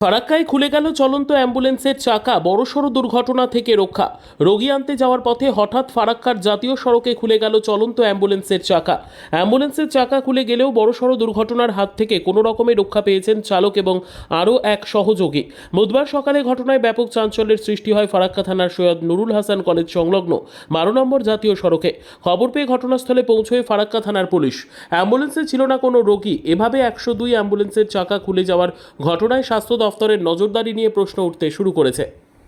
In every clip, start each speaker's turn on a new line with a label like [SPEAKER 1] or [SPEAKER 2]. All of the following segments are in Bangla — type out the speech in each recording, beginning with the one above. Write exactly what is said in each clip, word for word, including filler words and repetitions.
[SPEAKER 1] ফারাক্কায় খুলে গেল চলন্ত অ্যাম্বুলেন্সের চাকা, বড়সড় দুর্ঘটনা থেকে রক্ষা। রোগী আনতে যাওয়ার পথে হঠাৎ ফারাক্কার জাতীয় সড়কে খুলে গেল চলন্ত অ্যাম্বুলেন্সের চাকা। অ্যাম্বুলেন্সের চাকা খুলে গেলেও বড়সড় দুর্ঘটনার হাত থেকে কোনো রকমে রক্ষা পেয়েছেন চালক এবং আরও এক সহযোগী। বুধবার সকালে ঘটনায় ব্যাপক চাঞ্চল্যের সৃষ্টি হয় ফারাক্কা থানার সৈয়দ নুরুল হাসান কলেজ সংলগ্ন বারো নম্বর জাতীয় সড়কে। খবর পেয়ে ঘটনাস্থলে পৌঁছয় ফারাক্কা থানার পুলিশ। অ্যাম্বুলেন্সে ছিল না কোনো রোগী। এভাবে একশো দুই অ্যাম্বুলেন্সের চাকা খুলে যাওয়ার ঘটনায় স্বাস্থ্য দফতরের নজরদারি নিয়ে প্রশ্ন উঠতে শুরু করেছে।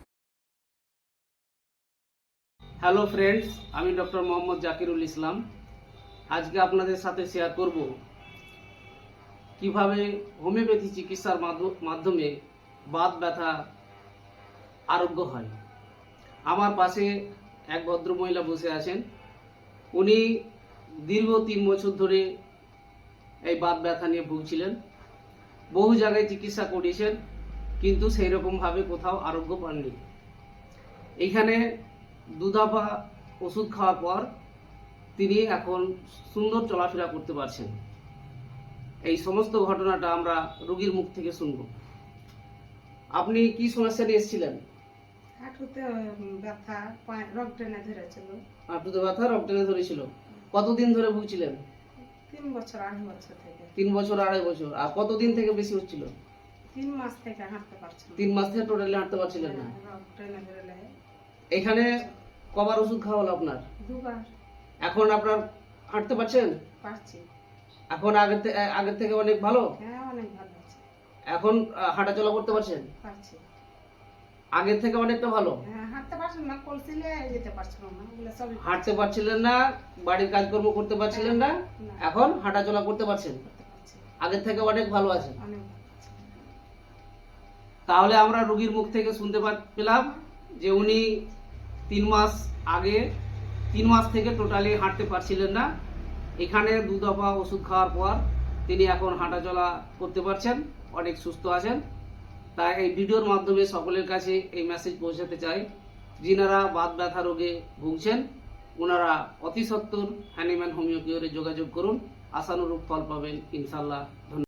[SPEAKER 2] হ্যালো ফ্রেন্ডস, আমি ডক্টর মোহাম্মদ জাকিরুল ইসলাম। আজকে আপনাদের সাথে শেয়ার করব কিভাবে হোমিওপ্যাথি চিকিৎসার মাধ্যমে বাত ব্যথা আরোগ্য হয়। আমার পাশে এক ভদ্রমহিলা বসে আছেন। উনি দীর্ঘ তিন বছর ধরে এই বাত ব্যথা নিয়ে ভুগছিলেন। বহু জায়গায় চিকিৎসা করিয়েছেন, কিন্তু সেই রকমভাবে কোথাও আরোগ্য পাননি। এইখানে দুধাপা ওষুধ খাওয়ার পর তিনি এখন সুন্দর চলাফেরা করতে পারছেন। এই সমস্ত ঘটনাটা আমরা রোগীর মুখ থেকে শুনব। আপনি কি সমস্যা নিয়ে এসেছিলেন?
[SPEAKER 3] হাঁটুতে ব্যথা, পায়ে রক টেনে ধরেছিল।
[SPEAKER 2] হাঁটুতে ব্যথা, রক টেনে ধরেছিল। কতদিন ধরে ভুগছিলেন?
[SPEAKER 3] তিন বছর আড়াই বছর থেকে।
[SPEAKER 2] তিন বছর আড়াই বছর। আর কতদিন থেকে বেশি হচ্ছিল?
[SPEAKER 3] তিন মাস থেকে হাঁটতে পারছি না।
[SPEAKER 2] তিন মাস থেকে টোটালি হাঁটতে পারছিলেন না।
[SPEAKER 3] রক টেনে ধরলে।
[SPEAKER 2] এখানে কবার ওষুধ খাওয়া হলো আপনার?
[SPEAKER 3] দুবার।
[SPEAKER 2] এখন আপনার হাঁটতে পারছেন?
[SPEAKER 3] পারছি।
[SPEAKER 2] এখন আগের থেকে আগের থেকে অনেক ভালো?
[SPEAKER 3] হ্যাঁ, অনেক ভালো আছে।
[SPEAKER 2] এখন হাঁটাচলা করতে পারছেন?
[SPEAKER 3] পারছি।
[SPEAKER 2] আগের থেকে অনেকটা ভালো?
[SPEAKER 3] হ্যাঁ, হাঁটতে পারছিলাম না, কলসিলে যেতে পারছিলাম না। বলে সব
[SPEAKER 2] হাঁটতে পারছিলেন না, বাড়ির কাজকর্ম করতে পারছিলেন না, এখন হাঁটাচলা করতে পারছেন।
[SPEAKER 3] করতে পারছি।
[SPEAKER 2] আগের থেকে অনেক ভালো আছেন।
[SPEAKER 3] অনেক ভালো আছে।
[SPEAKER 2] তাহলে আমরা রোগীর মুখ থেকে শুনতে পেলাম যে উনি তিন মাস আগে তিন মাস থেকে টোটালি হাঁটতে পারছিলেন না। এখানে দু দফা ওষুধ খাওয়ার পর তিনি এখন হাঁটাচলা করতে পারছেন, অনেক সুস্থ আছেন। তাই এই ভিডিওর মাধ্যমে সকলের কাছে এই মেসেজ পৌঁছাতে চাই, যিনারা বাত ব্যথা রোগে ভুগছেন ওনারা অতি সত্বর হ্যানিম্যান হোমিও কিওরে যোগাযোগ করুন। আশানুরূপ ফল পাবেন ইনশাল্লাহ। ধন্যবাদ।